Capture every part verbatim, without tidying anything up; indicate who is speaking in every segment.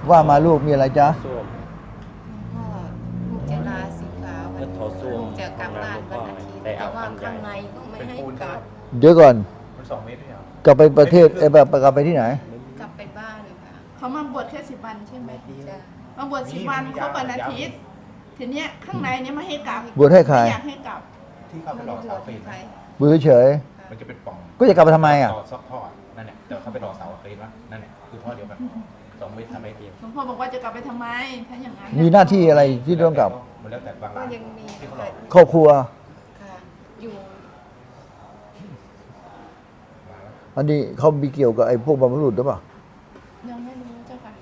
Speaker 1: ว่ามาลูกมีอะไรจ๊ะ
Speaker 2: ส้วม
Speaker 3: ก็ลูกจะลาสิกขาวั
Speaker 2: ก็
Speaker 3: น
Speaker 2: ถอดส้วม
Speaker 3: ลูกจะกลับบ้านวันอาทิตย์
Speaker 2: ได้
Speaker 3: แต่
Speaker 2: อาบ
Speaker 3: ว่า
Speaker 2: น้ำใหญ่
Speaker 3: ข้างในก็ไม่ให้กลับ
Speaker 1: เดี๋ยวก่อน
Speaker 4: มันสองเมตรเนี่ย
Speaker 1: กลับไปประเทศเอ้ยแบบกลับไปที่ไหน
Speaker 3: กลับไปบ้านค่ะ
Speaker 5: เขามาบวชแค่สิบวันใช่ไหม
Speaker 3: จะ
Speaker 5: มาบวชสิบวันครบวันอาทิตย์ทีเนี้ยข้างในเนี้ยไม่ให้กลับบ
Speaker 1: วชให้ใคร
Speaker 5: ไม่อยากให้กลับ
Speaker 4: ที่เข้าไปหล่อเสาเฟรม
Speaker 3: ใคร
Speaker 1: บือเฉย
Speaker 4: มันจะเป็นปล่อง
Speaker 1: ก็จะกลับไปทำไมอ่ะ
Speaker 4: ต่อซอกท่อนั่นแหละแต่เขาไปหล่อเสาเฟรมวะนั่นแหละคือท่อเดียวกันสองเมตรทำไมเดียว
Speaker 5: หลวงพ่อบอกว่าจะกลับไปทำไม ถ้าอย่างนั้น
Speaker 1: มีหน้าที่อะไรที่ต้องกลับ
Speaker 4: มันแล้วแต่บาง
Speaker 3: ก็
Speaker 4: ร้าน
Speaker 3: ยังมี
Speaker 4: ที่เขาหล่อ
Speaker 1: ครอบครัว
Speaker 3: ค่ะอยู่
Speaker 1: อันนี้เขามีเกี่ยวกับไอ้พวกบรรพบุรุษหรือเปล่า
Speaker 5: ยังไม่รู้เจ้าค่ะ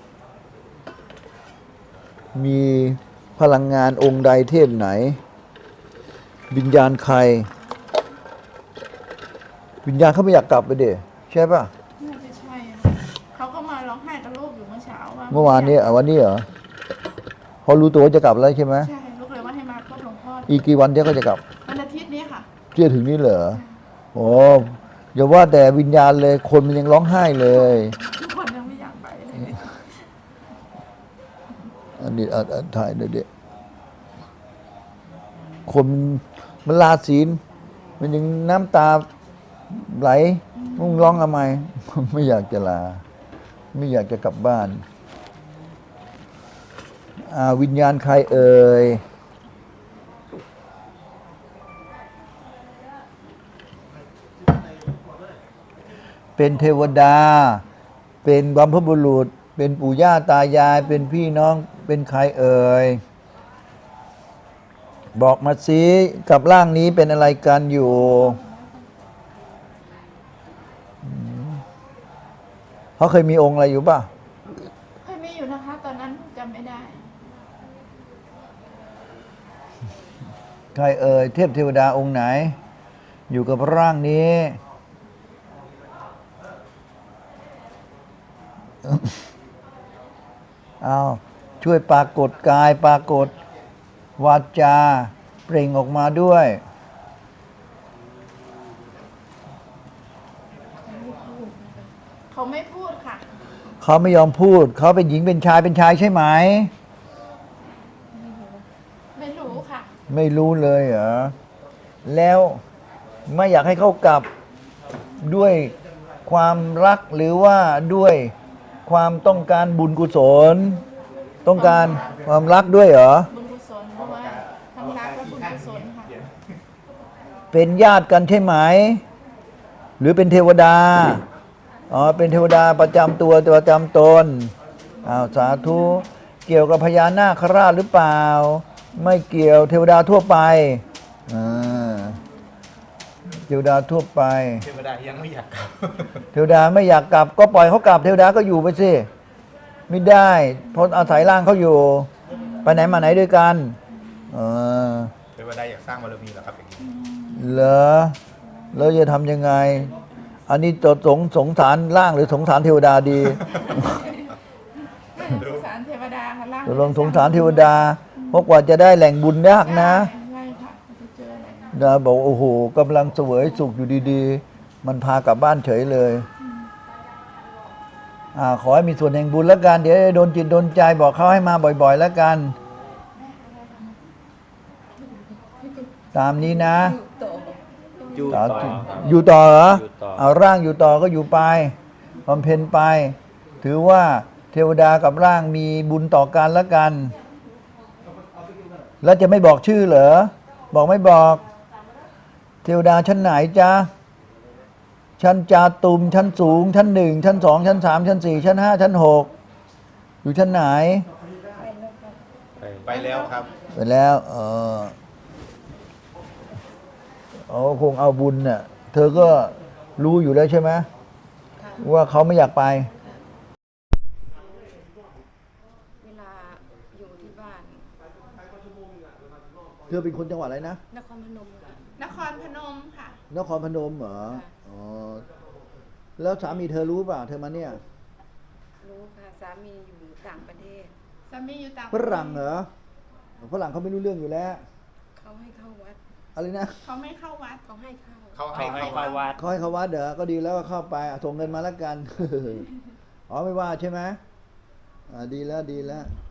Speaker 1: มีพลังงานองค์ใดเทพไหน วิญญาณใคร วิญญาณเขาไม่อยากกลับไปเด้ใช่ป่ะ
Speaker 5: น่าจะใช่อะเขาก็มาร้องไห้กับลูกอยู่เมื่อเช้าว่า
Speaker 1: เมื่อวานนี้อ่ะวันนี้เหรอพอรู้ตัวว่าจะกลับแล้วใช่ไหม
Speaker 5: ใช่ลูกเลยว่าให้มาพบหลวงพ่อ
Speaker 1: อีกกี่วันเดี๋ยวก็จะกลับ
Speaker 5: วันอาทิตย์นี้ค่ะ
Speaker 1: เชื่อถึงนี่เหรอโอ้อย่าว่าแต่วิญญาณเลยคนมันยังร้องไห้เลย
Speaker 5: ทุกคนยังไม่อยากไปเลย
Speaker 1: อันนี้อ่ะอ่ะถ่ายหน่อยเด็กคนมันลาศีลมันยังน้ำตาไหลมึงร้องทำไม ไม่อยากจะลา ไม่อยากจะกลับบ้านอ่าวิญญาณใครเอ่ยเป็นเทวดา เป็นบัมพบุรุษ เป็นปู่ย่าตายาย เป็นพี่น้อง เป็นใครเอ่ย บอกมาสิกับร่างนี้เป็นอะไรกันอยู่อืมเขาเคยมีองค์อะไรอยู่ป่ะ
Speaker 5: เคยมีอยู่นะคะ ตอนนั้นจำไม่ได้
Speaker 1: ใครเอ่ย เทพเทวดาองค์ไหน อยู่กับร่างนี้ เอาช่วยปรากฏกายปรากฏวาจาเปล่งออกมาด้วย
Speaker 5: เขาไม่พูดค่ะ
Speaker 1: เขาไม่ยอมพูด เขาเป็นหญิงเป็นชายเป็นชายใช่ไหม
Speaker 5: ไม่รู้ค่ะ
Speaker 1: ไม่รู้เลยเหรอ แล้วไม่อยากให้เขากลับด้วยความรักหรือว่าด้วยความต้องการบุญกุศล ต้องการความรักด้วยเหรอ
Speaker 5: บุญกุศลเพราะว่าทั้งรักและบุญกุศลค่ะ
Speaker 1: เป็นญาติกันใช่ไหม หรือเป็นเทวดา อ๋อ เป็นเทวดาประจำตัวประจำตนอ้าวสาธุ เกี่ยวกับพญานาคราชหรือเปล่า ไม่เกี่ยวเทวดาทั่วไปอ่าเทวดาทั่วไป
Speaker 4: เทวดายังไม่อยากกลับ
Speaker 1: เทวดาไม่อยากกลับก็ปล่อยเขากลับ เทวดาก็อยู่ไปสิ ไม่ได้ เพราะอาศัยร่างเขาอยู่ ไปไหนมาไหนด้วยกันเออ
Speaker 4: เทวดาอยากสร้างบารมีเหรอครับอย่างนี้
Speaker 1: เหรอแล้วจะทำยังไง อันนี้จะสงสงสารร่างหรือสงสารเทวดาดี
Speaker 5: สงสารเทวดาค่ะร่าง
Speaker 1: จะลองสงสารเทวดา เพราะกว่าจะได้แหล่งบุญยากนะ
Speaker 5: ใช่ค่ะจะเจออะไรนะ
Speaker 1: ดาบอกโอ้โหกำลังเสวยสุขอยู่ดีๆ มันพากลับบ้านเฉยเลยอ่าขอให้มีส่วนแห่งบุญแล้วกัน เดี๋ยวโดนจิตโดนใจบอกเขาให้มาบ่อยๆแล้วกัน ตามนี้นะ
Speaker 3: อยู่ต่อ
Speaker 2: อยู่
Speaker 1: สา
Speaker 2: ต่อ
Speaker 1: ธุ
Speaker 2: ครับ
Speaker 1: อยู่ต่อเหรอ
Speaker 2: อยู่ต่อ
Speaker 1: เอาร่างอยู่ต่อก็อยู่ไปบำเพ็ญไป ถือว่าเทวดากับร่างมีบุญต่อกันแล้วกัน แล้วจะไม่บอกชื่อเหรอ บอกไม่บอก เทวดาชั้นไหนจ๊ะ ชั้นจาตุมชั้นสูง ชั้นหนึ่งชั้นสองชั้นสามชั้นสี่ชั้นห้าชั้นหกอยู่ชั้นไหน
Speaker 2: ไป
Speaker 4: ไปแล้วครับ
Speaker 1: ไปแล้วเออเอาคงเอาบุญเนี่ยเธอก็รู้อยู่แล้วใช่ไหม
Speaker 3: ค่ะ
Speaker 1: ว่าเขาไม่อยากไป
Speaker 3: เวลาอยู่ที่บ้าน
Speaker 1: เธอเป็นคนจังหวัดอะไรนะ
Speaker 3: นครพนมค่ะ
Speaker 5: นครพนมค่ะ
Speaker 1: นครพนมเหรอ
Speaker 3: ค่ะ
Speaker 1: อ๋อ แล้วสามีเธอรู้ป่ะ เธอมาเนี่ย
Speaker 3: รู้ค่ะสามีอยู่ต่างประเทศ
Speaker 5: สามีอยู่ต่าง
Speaker 1: ฝรั่งเหรอ ฝรั่งเขาไม่รู้เรื่องอยู่แล้ว
Speaker 3: เขาให้เข้าวัด
Speaker 1: อะไรนะ
Speaker 5: เขาไม่เข้าวัด
Speaker 3: เขาให้เข้า
Speaker 4: เขา
Speaker 2: เขา
Speaker 4: ให้
Speaker 2: ให้
Speaker 4: เข้า
Speaker 2: เข้าวัด
Speaker 1: เขาให้เขาวัดเด้อก็ดีแล้วก็เข้าไปอ่ะส่งเงินมาแล้วกัน อ๋อไม่ว่าใช่ไหมอ่าดีแล้วดีแล้ว